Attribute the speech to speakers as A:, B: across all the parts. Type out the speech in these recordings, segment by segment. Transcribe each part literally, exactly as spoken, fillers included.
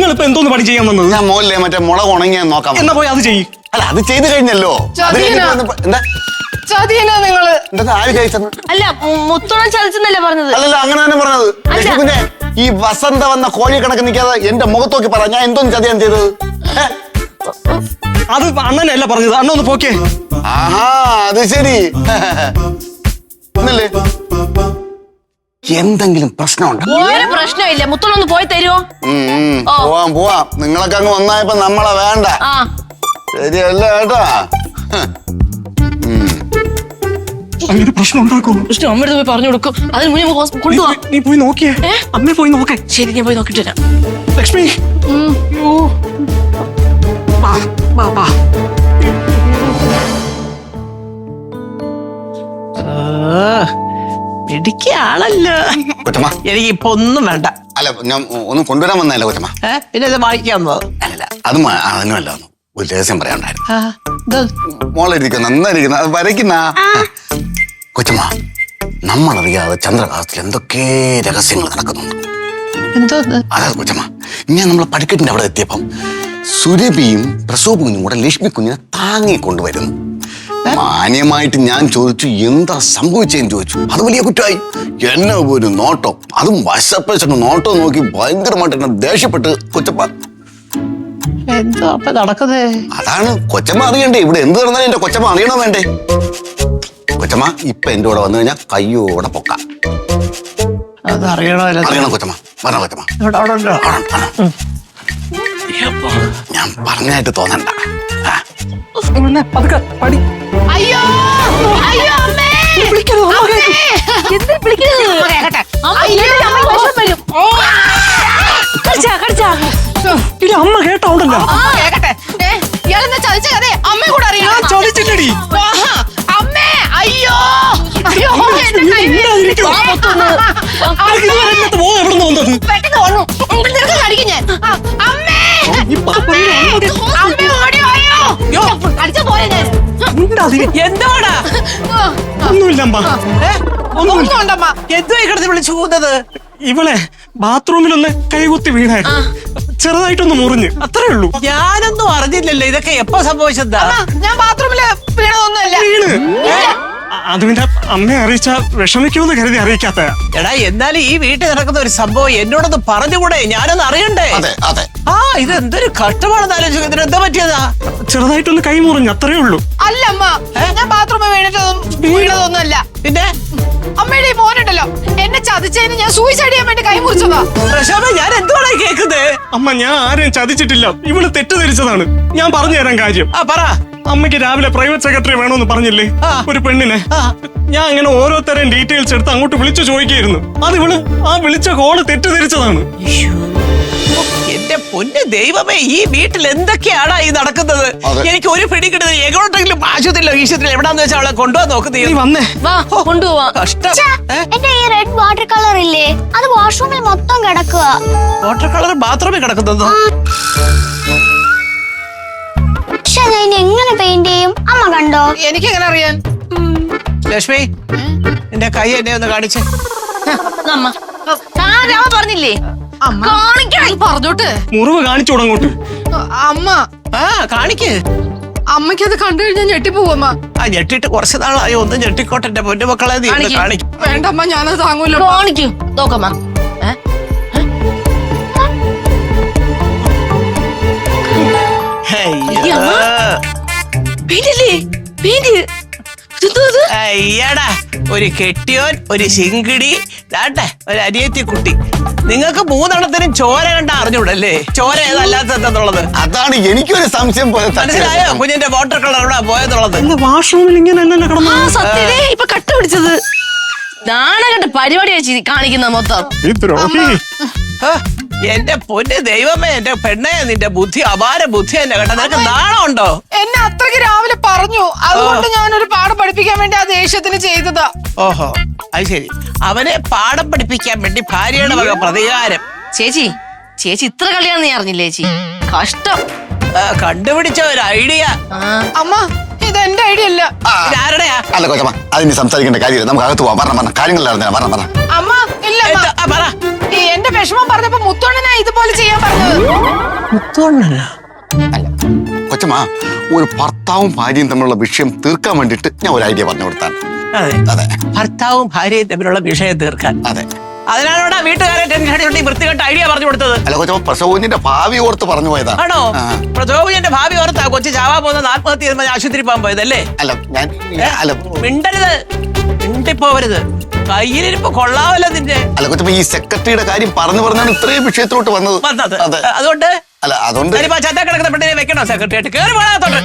A: ഇപ്പൊ എന്തോന്ന് പണി ചെയ്യാൻ വന്നത്?
B: ഞാൻ മോളിലെ മറ്റേ മുളക് ഉണങ്ങിയാൻ നോക്കാം.
A: എന്നാ പോയി അത് ചെയ്യ്.
B: അല്ല അത് ചെയ്ത് കഴിഞ്ഞല്ലോ. എന്താ
C: ചതിയനാ നിങ്ങള്?
B: എന്താ ആര് കഴിച്ചെന്ന്?
D: അല്ല മുത്തോളം ചതിച്ചെന്നല്ലേ പറഞ്ഞത്?
B: അല്ലല്ല അങ്ങനെ തന്നെ പറഞ്ഞത്. പിന്നെ ഈ വസന്ത വന്ന കോഴി കണക്ക് നിൽക്കാതെ എന്റെ മുഖത്ത് നോക്കി പറ, ഞാൻ എന്തോന്ന് ചതിയാൻ ചെയ്തത്?
A: അത് അണ്ണനല്ല പറഞ്ഞത്, അണ്ണ ഒന്ന് പോക്കേ.
B: ആഹാ അത് ശരി. ഒന്നല്ലേ എന്തെങ്കിലും പ്രശ്നമുണ്ടോ?
D: ഒരു പ്രശ്നമില്ല. മുത്തോളം ഒന്ന് പോയി തരുമോ?
B: പോവാം പോവാം. നിങ്ങളൊക്കെ അങ്ങ് വന്നായപ്പോ നമ്മളെ വേണ്ട. ശരിയല്ല കേട്ടാ.
A: അങ്ങനെ പ്രശ്നം ഉണ്ടാക്കും.
D: അമ്മയുടെ പോയി പറഞ്ഞു കൊടുക്കും. അതിന് മുന്നേ കൊണ്ടുപോവാ.
A: നീ പോയി നോക്കിയേ. അമ്മ പോയി നോക്കേ.
D: ശരി, ഞാൻ പോയി നോക്കിട്ട് വരാം.
A: ലക്ഷ്മി
E: പിടിക്കാണല്ലോ. എനിക്ക് ഇപ്പൊ ഒന്നും വേണ്ട.
B: അല്ല ഞാൻ ഒന്നും കൊണ്ടുവരാൻ വന്നല്ല കൊച്ചമ്മ.
E: പിന്നെ ഇത് വായിക്കാൻ വന്നത്
B: അല്ലല്ല അത് അതിനുമല്ല. ഒരു രഹസ്യം പറയാനുണ്ടായിരുന്നു. മോളിരിക്കുന്ന നന്നായിരിക്കുന്ന അത് വരയ്ക്കുന്ന കൊച്ചമ്മ, നമ്മളറിയാതെ ചന്ദ്രകാലത്തിൽ എന്തൊക്കെ രഹസ്യങ്ങൾ നടക്കുന്നുണ്ട്. അതായത് കൊച്ചമ്മ, ഞാൻ നമ്മളെ പടിക്കെട്ടിന്റെ അവിടെ എത്തിയപ്പം സുരഭിയും പ്രസവ കുഞ്ഞും കൂടെ ലക്ഷ്മി കുഞ്ഞിനെ താങ്ങിക്കൊണ്ടുവരുന്നു. മാന്യമായിട്ട് ഞാൻ ചോദിച്ചു എന്താ സംഭവിച്ചതെന്ന് ചോദിച്ചു. അത് വലിയ കുറ്റമായി. എന്നെ ഒരു നോട്ടം, അതും വശപ്പശ നോട്ടം നോക്കി ഭയങ്കരമായിട്ട് എന്നെ ദേഷ്യപ്പെട്ട് കൊച്ചപ്പ.
E: എന്തോ അപ്പൊ നടക്കുന്നേ?
B: അതാണ് കൊച്ചമ്മ അറിയണ്ടേ. ഇവിടെ എന്ത് നടന്നാലും എന്റെ കൊച്ചമ്മ അറിയണോ വേണ്ടേ? കൊച്ചമ്മ ഇപ്പൊ എന്റെ കൂടെ വന്നു കഴിഞ്ഞാൽ കയ്യോടെ പൊക്കാം.
E: അത് അറിയണോ?
B: അറിയണം കൊച്ചമ്മ. പറഞ്ഞ കൊച്ചമ്മ ഞാൻ പറഞ്ഞായിട്ട് തോന്നണ്ട.
C: അയ്യോ അയ്യോ അമ്മേ,
A: അമ്മ കേട്ടോണ്ടല്ലോ.
C: ഇയാളെന്താ ചതിച്ച കഥ അമ്മ കൂടെ അറിയാം.
A: ചതിച്ചില്ലടി
C: അമ്മേ. അയ്യോ അയ്യോ പെട്ടെന്ന് വന്നു. നിനക്ക് കടിക്കും ഞാൻ. അമ്മേ അമ്മ ഓടി വായോ. അടിച്ച പോലെ ഞാൻ.
E: എന്താടാ?
A: ഒന്നുമില്ല അമ്മ.
C: ഒന്നുണ്ടമ്മ.
E: എന്തുവായി കിടന്ന് വിളിച്ചു പോകുന്നത്?
A: ഇവളെ ബാത്റൂമിലൊന്ന് കൈകുത്തി വീണായിരുന്നു. ചെറുതായിട്ടൊന്ന് മുറിഞ്ഞ്, അത്രേ ഉള്ളൂ.
E: ഞാനൊന്നും അറിഞ്ഞില്ലല്ലോ. ഇതൊക്കെ എപ്പോ സംഭവിച്ചതാ?
C: ഞാൻ ബാത്റൂമില് വീണതൊന്നുമല്ല.
A: വീണ് അത് പിന്നെ അമ്മയെ അറിയിച്ച വിഷമിക്കുമെന്ന് കരുതി അറിയിക്കാത്ത.
E: എടാ എന്നാലും ഈ വീട്ടിൽ നടക്കുന്ന ഒരു സംഭവം എന്നോടൊന്ന് പറഞ്ഞുകൂടെ? ഞാനൊന്ന് അറിയണ്ടേ?
B: അതെ അതെ.
E: ആ ഇത് എന്തൊരു കഷ്ടമാണെന്ന് ആലോചിക്കുക. ഇതിന് എന്താ പറ്റിയതാ?
A: ചെറുതായിട്ടൊന്ന് കൈ മുറിഞ്ഞ്, അത്രേ ഉള്ളൂ.
C: അല്ല അമ്മ, ഞാൻ ബാത്റൂമിൽ വീണിട്ടൊന്നും വീണതൊന്നുമല്ല.
E: പിന്നെ
C: അമ്മയുടെ ഈ മോനുണ്ടല്ലോ, എന്നെ ചതിച്ചതിന് ഞാൻ സൂയിസൈഡ് ചെയ്യാൻ വേണ്ടി കൈ മുറിച്ചതാ.
E: പ്രശോഭ, ഞാൻ എന്തുവാണ് കേൾക്കുന്നത്?
A: അമ്മ ഞാൻ ആരെയും ചതിച്ചിട്ടില്ല. ഇവള് തെറ്റിദ്ധരിച്ചതാണ്. ഞാൻ പറഞ്ഞു തരാൻ കാര്യം.
E: ആ പറ.
A: അമ്മയ്ക്ക് രാവിലെ പ്രൈവറ്റ് സെക്രട്ടറി വേണമെന്ന് പറഞ്ഞില്ലേ ഒരു പെണ്ണിനെ? ഞാൻ അങ്ങനെ ഓരോരുത്തരെയും ഡീറ്റെയിൽസ് എടുത്ത് അങ്ങോട്ട് വിളിച്ചു ചോദിക്കായിരുന്നു. അത് ഇവള് ആ വിളിച്ച കോള് തെറ്റിദ്ധരിച്ചതാണ്.
E: എന്റെ പൊന്ന് ദൈവമേ, ഈ വീട്ടിൽ എന്തൊക്കെയാണ് ഈ നടക്കുന്നത്? എനിക്ക് ഒരു പിടി കിട്ടുന്നത്. എങ്ങോട്ടെങ്കിലും ആശുപത്രിയിലോ ഈശുപത്രിയിലോ എവിടാന്ന് വെച്ചാൽ അവളെ കൊണ്ടുപോകാൻ നോക്കുന്നത്.
A: വന്നേ
D: കൊണ്ടുപോവാ.
E: കഷ്ടം.
F: എന്റെ ഈ റെഡ് വാട്ടർ കളർ ഇല്ലേ, അത് വാഷ്റൂമിൽ മൊത്തം കിടക്കുക.
E: വാട്ടർ കളർ ബാത്റൂമിൽ കിടക്കുന്നത്?
F: പക്ഷെ ഞാൻ എങ്ങനെ പെയിന്റ് ചെയ്യും? അമ്മ കണ്ടോ?
C: എനിക്ക് എങ്ങനെ അറിയാൻ?
E: ലക്ഷ്മി, എന്റെ കൈ എന്നെ ഒന്ന് കാണിച്ചേ.
D: പറഞ്ഞില്ലേ
C: പറഞ്ഞോട്ട്
A: മുറിവ് കാണിച്ചു തുടങ്ങോട്ട്.
C: അമ്മ
E: ആ കാണിക്ക്.
C: അമ്മയ്ക്ക് അത് കണ്ടു കഴിഞ്ഞാൽ ഞെട്ടിപ്പോവമ്മ.
E: ആ ഞെട്ടിട്ട് കുറച്ച് നാളായി. ഒന്ന് ഞെട്ടിക്കോട്ടെ എന്റെ പൊന്നു മക്കളെ. നീ ഒന്ന് കാണിക്കും.
C: വേണ്ടമ്മ, ഞാനത് താങ്ങൂല്ലോ.
D: കാണിക്കൂ നോക്കമ്മ.
E: അയ്യടാ, ഒരു കെട്ടിയോൻ, ഒരു ശിങ്കിടി, ദാട്ടെ ഒരു അനിയത്തി കുട്ടി. നിങ്ങൾക്ക് മൂന്നെണ്ണത്തിനും ചോര കണ്ട അറിഞ്ഞൂടല്ലേ ചോര ഏതല്ലാത്തത്?
B: അതാണ് എനിക്കൊരു സംശയം പോലെ.
E: മനസ്സിലായോ കുഞ്ഞിന്റെ വാട്ടർ കളർ എവിടെ പോയെന്നുള്ളത്?
A: വാഷ്റൂമിൽ ഇങ്ങനെ
D: സത്യതേ ഇപ്പൊ കട്ട പിടിച്ചത്. നാണകണ്ട പരിപാടി വെച്ച് കാണിക്കുന്ന മൊത്തം.
E: എന്റെ പൊന്ന് ദൈവമേ, എന്റെ പെണ്ണെ, നിന്റെ ബുദ്ധി അപാര ബുദ്ധി തന്നെ കേട്ടോ. നിനക്ക് നാണമുണ്ടോ?
C: എന്നെ അത്രയ്ക്ക് രാവിലെ പറഞ്ഞു. അതുകൊണ്ട് ഞാനൊരു പാഠം പഠിപ്പിക്കാൻ വേണ്ടി ആ ദേഷ്യത്തിന് ചെയ്തതാ.
E: ഓഹോ, അത് ശരി. അവനെ പാഠം പഠിപ്പിക്കാൻ വേണ്ടി ഭാര്യയുടെ വക പ്രതികാരം.
D: ചേച്ചി ചേച്ചി ഇത്ര കളിയാന്ന് നീ അറിഞ്ഞില്ലേ ചേച്ചി? കഷ്ടം.
E: കണ്ടുപിടിച്ച ഒരു ഐഡിയ.
C: അമ്മ, ഇത് എന്റെ ഐഡിയ അല്ല.
E: ആരുടെയാ?
B: അല്ല കൊച്ചമ്മ, അതിന് സംസാരിക്കേണ്ട കാര്യമില്ല. നമുക്ക് അകത്ത് പോവാം. പറഞ്ഞ പറഞ്ഞ കാര്യങ്ങളിലായിരുന്നു. പറഞ്ഞ പറഞ്ഞ
C: അമ്മ ഇല്ല.
E: പറ.
C: എന്റെ വിഷമം പറഞ്ഞപ്പോ മുത്തോണ്ണനാ ഇതുപോലെ ചെയ്യാൻ പറഞ്ഞത്.
E: മുത്തോണ്ണനാ?
B: അല്ല കൊച്ചമ്മ, ഒരു ഭർത്താവും ഭാര്യയും തമ്മിലുള്ള വിഷയം തീർക്കാൻ വേണ്ടിയിട്ട് ഞാൻ ഒരു ഐഡിയ പറഞ്ഞു കൊടുത്താണ്.
E: അതെ
B: അതെ
E: ഭർത്താവും ഭാര്യയും തമ്മിലുള്ള വിഷയം തീർക്കാൻ.
B: അതെ.
E: അതിനാണോടാ വീട്ടുകാരെ ടെൻഷൻ അടിച്ചുകൊണ്ട് ഈ വൃത്തികെട്ട ഐഡിയ പറഞ്ഞു കൊടുത്തത്?
B: അല്ല കൊച്ചമ്മ, പ്രസവത്തിന്റെ ഭാവി ഓർത്ത് പറഞ്ഞു പോയതാ.
E: ആണോ?
B: ആ.
E: പ്രചോദന്റെ ഭാവി ഓർത്താ കൊച്ചു ചാവാ പോകുന്ന ആത്മഹത്യ ചെയ്യുമ്പോൾ ആശുപത്രി പോകാൻ പോയതല്ലേ?
B: അല്ല ഞാൻ അല്ല
E: മിണ്ടരുത്, മിണ്ടിപ്പോവരുത്. കയ്യിലിരിപ്പ് കൊള്ളാവല്ലോ നിന്റെ.
B: അല്ല കൊച്ചമ്മ, ഈ സെക്രട്ടറിയുടെ കാര്യം പറഞ്ഞു പറഞ്ഞാണ് ഇത്രയും വിഷയത്തിലോട്ട് വന്നത്.
E: വന്നത്
B: അതെ.
E: അതുകൊണ്ട്
B: അല്ല അതുകൊണ്ട്
E: ഞാനിപ്പോ ചത്ത കിടക്കുന്ന പെണ്ണിനെ വെക്കണോ സെക്രട്ടറി ആയിട്ട്? കേറി പോകാത്തോട്ട്.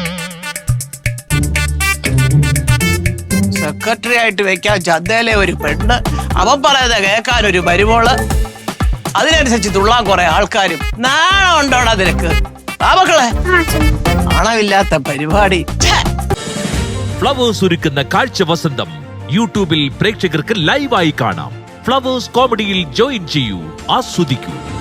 E: സെക്രട്ടറി ആയിട്ട് വെക്കാൻ ചന്തയിലെ ഒരു പെണ്ണ്, അവൻ പറയുന്നത് കേൾക്കാൻ ഒരു മരുമോള്, അതിനനുസരിച്ച് തുള്ളാൻ കുറെ ആൾക്കാരും. നാണം ഉണ്ടോടാ നിനക്ക്? ആ മക്കളെ, നാണമില്ലാത്ത പരിപാടി. ഛെ!
G: ഫ്ലവേഴ്സ് ഒരുക്കുന്ന കാഴ്ച വസന്തം യൂട്യൂബിൽ പ്രേക്ഷകർക്ക് ലൈവായി കാണാം. ഫ്ലവേഴ്സ് കോമഡിയിൽ ജോയിൻ ചെയ്യൂ, ആസ്വദിക്കൂ.